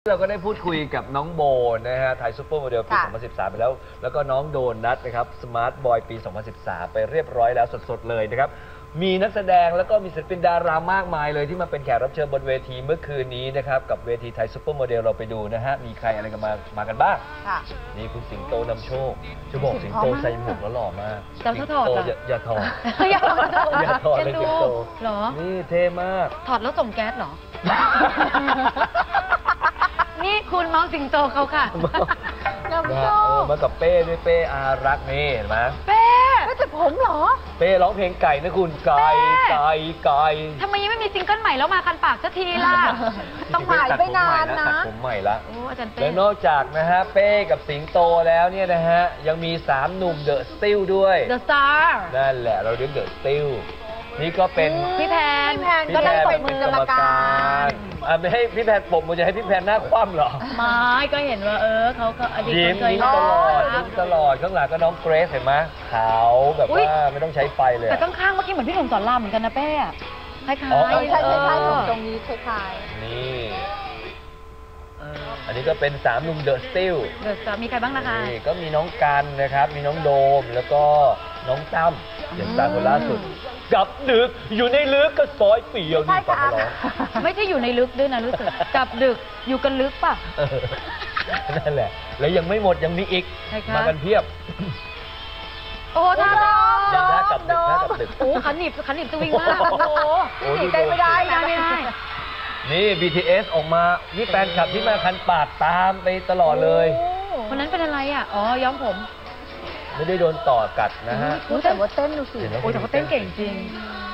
เราก็ได้พูดคุยกับน้องโบนะฮะไทยซูเปอร์โมเดลปี 2013 ไปแล้วแล้วก็น้องโดนัทนะครับสมาร์ทบอยปี 2013 ไปเรียบร้อยแล้วสดๆเลยนะครับมีนักแสดงแล้วก็มีศิลปินดารามากมายเลยที่มาเป็นแขกรับเชิญบนเวทีเมื่อคืนนี้นะครับกับเวทีไทยซูเปอร์โมเดลเราไปดูนะฮะมีใครอะไรกันมากันบ้างนี่คุณสิงโตนำโชคจะบอกสิงโตใส่หมวกแล้วหล่อมากจะถอดอย่าถอดอย่าถอดเลยสิงโตหรอนี่เท่มากถอดแล้วส่งแก๊สเหรอนี่คุณน้องสิงโตเขาค่ะมากับเป้ด้วยเป้อารักนี่เห็นไหมเป้ไม่แต่ผมเหรอเป้ร้องเพลงไก่นะคุณไก่ทำไมยังไม่มีซิงเกิลใหม่แล้วมาคันปากสักทีล่ะต้องหายไปนานนะตัดผมใหม่ละและนอกจากนะฮะเป้กับสิงโตแล้วเนี่ยนะฮะยังมี3หนุ่มเดอะสติลด้วยเดอะสตาร์นั่นแหละเราเรียกเดอะสติลนี่ก็เป็นพี่แพนก็ได้เป็นกรรมการไม่ให้พี่แพนปกมือจะให้พี่แพนหน้าคว่ำเหรอไม่ก็เห็นว่าเขาอดีตเคยยิ้มตลอดข้างหลังก็น้องเกรซเห็นไหมขาวแบบว่าไม่ต้องใช้ไฟเลยแต่ข้างๆเมื่อกี้เหมือนพี่หนุ่มสอนรามเหมือนกันนะเป้คล้ายๆใช่ตรงนี้คล้ายๆนี่อันนี้ก็เป็น3หนุ่มเดอะสติลมีใครบ้างนะคะนี่ก็มีน้องกันนะครับมีน้องโดมแล้วก็น้องตั้มอย่างตาคนล่าสุดกับดึกอยู่ในลึกก็ซอยเปี่ยวนี่ฟังร้องไม่ใช่อยู่ในลึกด้วยนะรู้สึกกับดึกอยู่กันลึกป่ะนั่นแหละแล้วยังไม่หมดยังมีอีกมากันเพียบโอ้ท่ากับดึกโอ้ขันหนีบจะวิ่งมากโอ้หนีใจไม่ได้นี่ BTS ออกมานี่แฟนคลับที่มาคันปากตามไปตลอดเลยคนนั้นเป็นอะไรอ่ะอ๋อย้อมผมไม่ได้โดนต่อกัดนะฮะแต่ว่าเต้นดูสิโอ้แต่เขาเต้นเก่งจริง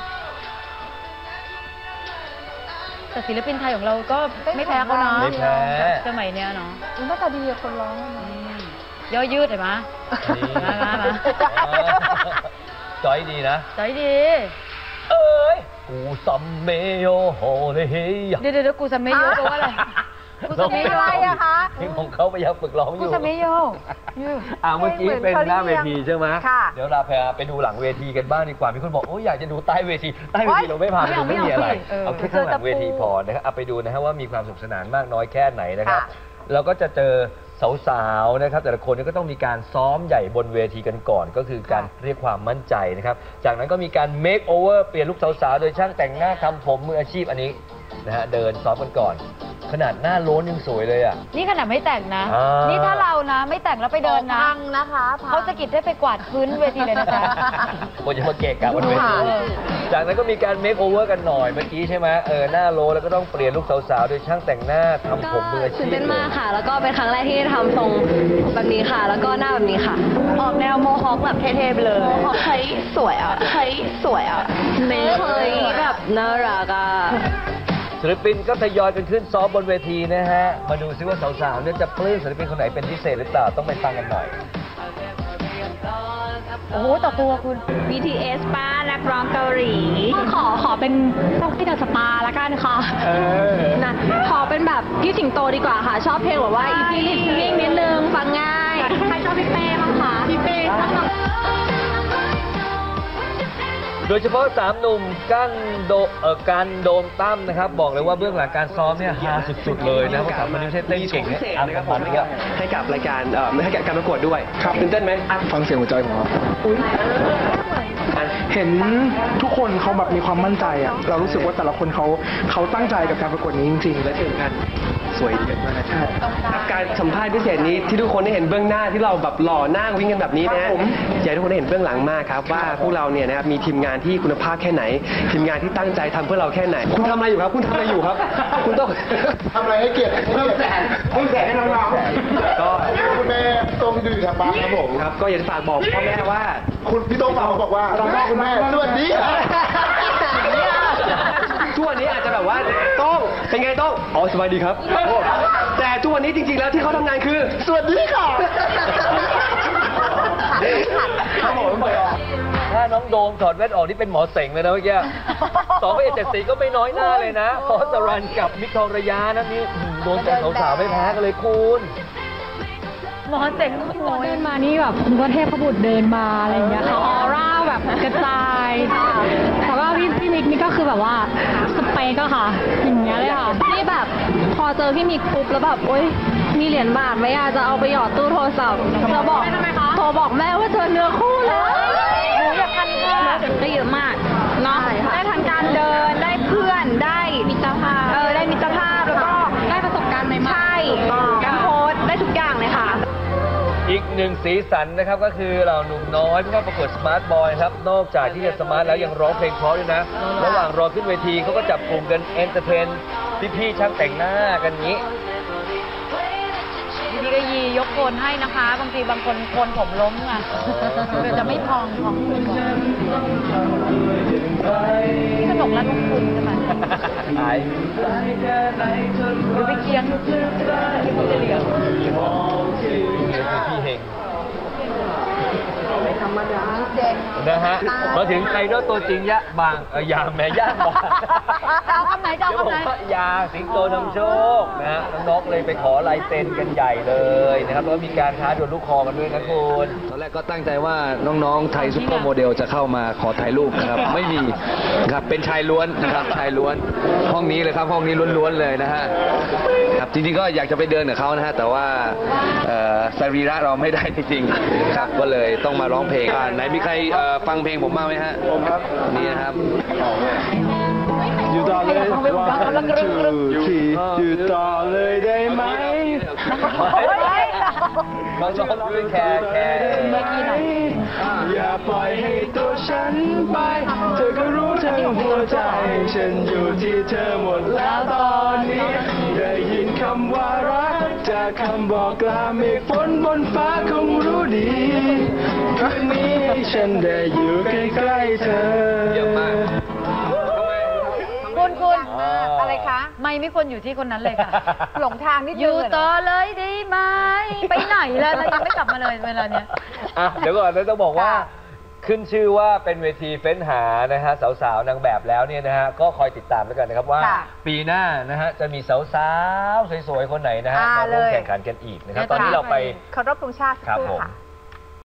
แต่ศิลปินไทยของเราก็ไม่แพ้เขาเนาะไม่แพ้สมัยเนี้ยเนาะหน้าตาดีคนร้องย่อยืดเห็นไหมมาจอยดีนะจอยดีเอ้ยกูซัมเมโยโฮเลยเดี๋ยวกูซัมเมโยแปลว่าอะไรกูซัมเมโยอะไรอะคะเพลงของเขาพยายามฝึกร้องอยู่กูซัมเมโยเมื่อกี้เป็นหน้าเวทีใช่ไหมเดี๋ยวเราไปดูหลังเวทีกันบ้างดีกว่ามีคนบอกโอ้อยากจะดูใต้เวทีเราไม่พาไปดูไม่มีอะไรเอาแค่ข้างหลังเวทีพอนะครับเอาไปดูนะฮะว่ามีความสนุกสนานมากน้อยแค่ไหนนะครับเราก็จะเจอสาวๆนะครับแต่ละคนก็ต้องมีการซ้อมใหญ่บนเวทีกันก่อนก็คือการเรียกความมั่นใจนะครับจากนั้นก็มีการเมคโอเวอร์เปลี่ยนลุคสาวๆโดยช่างแต่งหน้าทำผมมืออาชีพอันนี้นะฮะเดินซ้อมกันก่อนขนาดหน้าโล้นยังสวยเลยอ่ะนี่ขนาดไม่แต่งนะนี่ถ้าเรานะไม่แต่งแล้วไปเดินนะนะคะเขาจะกิดได้ไปกวาดพื้นเวทีเลยนะจ๊ะคนจะมาเกะกะบนเวทีจากนั้นก็มีการเมคโอเวอร์กันหน่อยเมื่อกี้ใช่ไหมหน้าโล้นแล้วก็ต้องเปลี่ยนลุคสาวๆโดยช่างแต่งหน้าทำผมมืออาชีพตื่นเต้นมากค่ะแล้วก็เป็นครั้งแรกที่ทำทรงแบบนี้ค่ะแล้วก็หน้าแบบนี้ค่ะออกแนวโมฮอคแบบเท่ๆไปเลยเฮ้ยสวยอ่ะเฮ้ยสวยอ่ะเฮ้ยแบบน่ารักอ่ะศิลปินก็ทยอยกันขึ้นซ้อมบนเวทีนะฮะมาดูซิว่าสาวๆเนี่ยจะปลื้มศิลปินคนไหนเป็นพิเศษหรือเปล่าต้องไปฟังกันหน่อยโอ้โหต่อตัวคุณ BTS ป้านักร้องเกาหลีขอเป็นพวกที่เดอะสตาร์ละกันค่ะนะขอเป็นแบบพี่สิงโตดีกว่าค่ะชอบเพลงแบบว่าอีพีลิสนิดนึงฟังง่ายใครชอบพี่เป้บ้างคะพี่เป้โดยเฉพาะ3หนุ่มกันโดมตั้มนะครับบอกเลยว่าเบื้องหลังการซ้อมเนี่ยฮาสุดๆเลยนะเพราะ3คนนี้เต้นเก่งเนี่ยนะครับผมให้กับรายการให้กับการประกวดด้วยตื่นเต้นไหมฟังเสียงหัวใจของเราเห็นทุกคนเขาแบบมีความมั่นใจอ่ะเรารู้สึกว่าแต่ละคนเขาตั้งใจกับการประกวดนี้จริงๆและที่สำคัญสวยเยอะมากใช่การสัมภาษณ์พิเศษนี้ที่ทุกคนได้เห็นเบื้องหน้าที่เราแบบหล่อหน้าวิ่งกันแบบนี้นะอยากให้ทุกคนได้เห็นเบื้องหลังมากครับว่าพวกเราเนี่ยนะครับมีทีมงานที่คุณภาพแค่ไหนทีมงานที่ตั้งใจทำเพื่อเราแค่ไหนคุณทำอะไรอยู่ครับคุณทำอะไรอยู่ครับคุณต้องทำอะไรให้เกียรติเพิ่มแสงให้น้องๆก็คุณแม่ต้องดูทางบ้านครับผมครับก็อยากจะฝากบอกพ่อแม่ว่าคุณพี่ต้องฝากบอกว่าคุณแม่สวัสดีทุกวันนี้อาจจะแบบว่าต้องเป็นไงต้องอ๋อสบายดีครับแต่ทุกวันนี้จริงๆแล้วที่เขาทำงานคือสวัสดีค่ะถ้าน้องโดมถอดแว่นออกนี่เป็นหมอเสงเลยนะเมื่อกี้2 พระเอก7 สีก็ไม่น้อยหน้าเลยนะพอสรันกับมิกทองระยะนะนี่โดนแต่สาวๆไม่แพ้กันเลยคุณหมอเจ๋งเดินมานี่แบบคุณก็เทพบุตรเดินมาอะไรอย่างเงี้ยเขาออร่าแบบกระจายแต่ว่าพี่มิกนี่ก็คือแบบว่าสเปกอะค่ะอย่างเงี้ยเลยค่ะที่แบบพอเจอพี่มิกปุ๊บแล้วแบบโอ๊ยมีเหรียญบาทไหมอะจะเอาไปหยอดตู้โทรศัพท์จะบอกโทรบอกแม่ว่าเจอเนื้อคู่แล้วหนูอยากทันค่ะได้เยอะมากเนาะได้ทางการเดินได้เพื่อนได้มิตรภาพได้มิตรภาพแล้วก็ได้ประสบการณ์ใหม่ๆใช่การโพสต์ได้ทุกอย่างเลยค่ะอีกหนึ่งสีสันนะครับก็คือเหล่าหนุ่มน้อยที่เข้าประกวดสมาร์ทบอยครับนอกจากที่จะสมาร์ทแล้วยังร้องเพลงเพราะด้วยนะระหว่างรอขึ้นเวทีเขาก็จับกลุ่มกันเอนเตอร์เทนพี่ๆช่างแต่งหน้ากันนี้พี่ก็ยียกโคนให้นะคะ บางทีบางคนโคนผมล้มอ่ะจะไม่พองสนุกและลงทุนใช่ไหมหายหรือไปเคียงที่มันจะเหลียวพี่เฮงเจ๋งนะฮะมาถึงไอดอลตัวจริงยะบางยางแม่ย่างบางจะเอาคำไหนจะเอาคำไหนยาสิงโตนำโชคนะฮะน้องๆเลยไปขอลายเซ็นกันใหญ่เลยนะครับแล้วก็มีการท้าดวลลูกคอกันด้วยนะคุณตอนแรกก็ตั้งใจว่าน้องๆไทยซุปเปอร์โมเดลจะเข้ามาขอถ่ายรูปนะครับ ไม่มีครับเป็นชายล้วนนะครับชายล้วนห้องนี้เลยครับห้องนี้ล้วนๆเลยนะฮะครับจริงๆก็อยากจะไปเดินกับเขานะฮะแต่ว่าสรีระเราไม่ได้จริงๆครับก็เลยต้องมาร้องเพลงไหนมีใครฟังเพลงผมบ้างไหมฮะผมครับนี่นะครับอยู่ต่อเลยอยู่ต่อเลยได้ไหมบางช่วงด้วยแคร์อย่าปล่อยให้ตัวฉันไป เธอก็รู้ทั้งหัวใจ ฉันอยู่ที่เธอหมดแล้วตอนนี้ ได้ยินคำว่ารักจากคำบอกกล่าวเมฆฝนบนฟ้าคงรู้ดีคืนนี้ให้ฉันได้อยู่ใกล้ๆเธอเยี่ยมมากคุณอะไรคะไม่ควรอยู่ที่คนนั้นเลยค่ะหลงทางนิดนึงอยู่เหรต่อเลยได้ไหมไปไหนแล้วยังไม่กลับมาเลยเวลาเนี้ยอ่ะเดี๋ยวก่อนนะต้องบอกว่าค่ะขึ้นชื่อว่าเป็นเวทีเฟ้นหานะฮะสาวๆนางแบบแล้วเนี่ยนะฮะก็คอยติดตามแล้วกันนะครับว่าค่ะปีหน้านะฮะจะมีสาวๆสวยๆคนไหนนะฮะมาร่วมแข่งขันกันอีกนะครับตอนนี้เราไปเคารพธงชาติสักครับครู่ผมค่ะ